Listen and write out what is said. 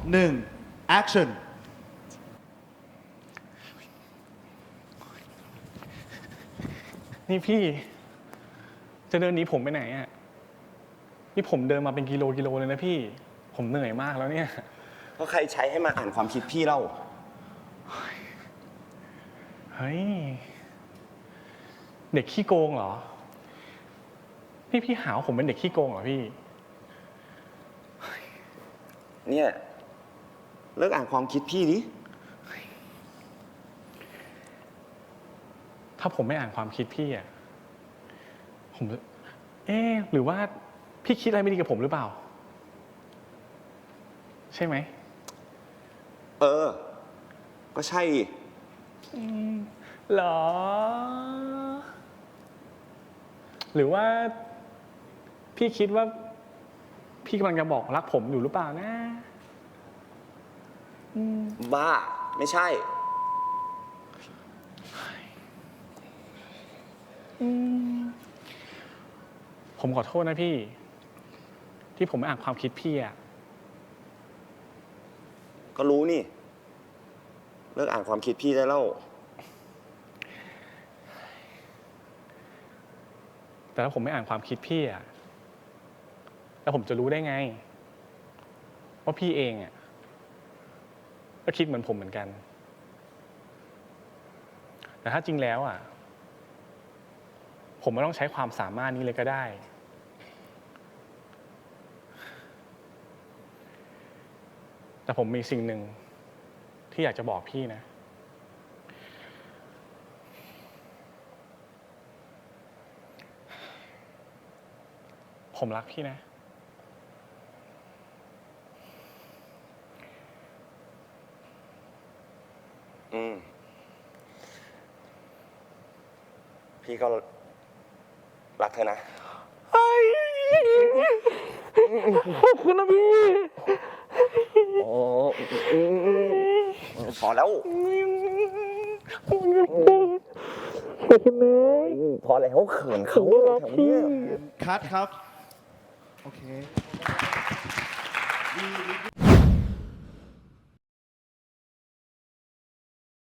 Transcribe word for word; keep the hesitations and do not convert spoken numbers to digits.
หนึ่ง action นี่พี่จะเดินหนีผมไปไหนอ่ะนี่ผมเดินมาเป็นกิโลกิโลเลยนะพี่ผมเหนื่อยมากแล้วเนี่ยเพราะใครใช้ให้มาอ่านความคิดพี่เล่าเฮ้ยเด็กขี้โกงเหรอพี่พี่หาว่าผมเป็นเด็กขี้โกงเหรอพี่เนี่ยเลิกอ่านความคิดพี่ดิถ้าผมไม่อ่านความคิดพี่อ่ะผมเอ๊ะหรือว่าพี่คิดอะไรไม่ดีกับผมหรือเปล่าใช่ไหมเออ ก็ใช่หรอ หรือว่าพี่คิดว่าพี่กำลังจะบอกรักผมอยู่หรือเปล่านะบ้า ไม่ใช่ผมขอโทษนะพี่ ที่ผมไม่อ่านความคิดพี่อะก็รู้นี่ เลิกอ่านความคิดพี่ได้แล้วแต่ถ้าผมไม่อ่านความคิดพี่อะแล้วผมจะรู้ได้ไงว่าพี่เองอะก็คิดเหมือนผมเหมือนกัน แต่ถ้าจริงแล้วอะผมไม่ต้องใช้ความสามารถนี้เลยก็ได้ แต่ผมมีสิ่งหนึ่งที่อยากจะบอกพี่นะ ผมรักพี่นะอืม พี่ก็รักเธอนะขอบคุณนะพี่โอ้พอแล้ว พอแล้วเขินเขาแถวเนี้ยคัดครับ โอเค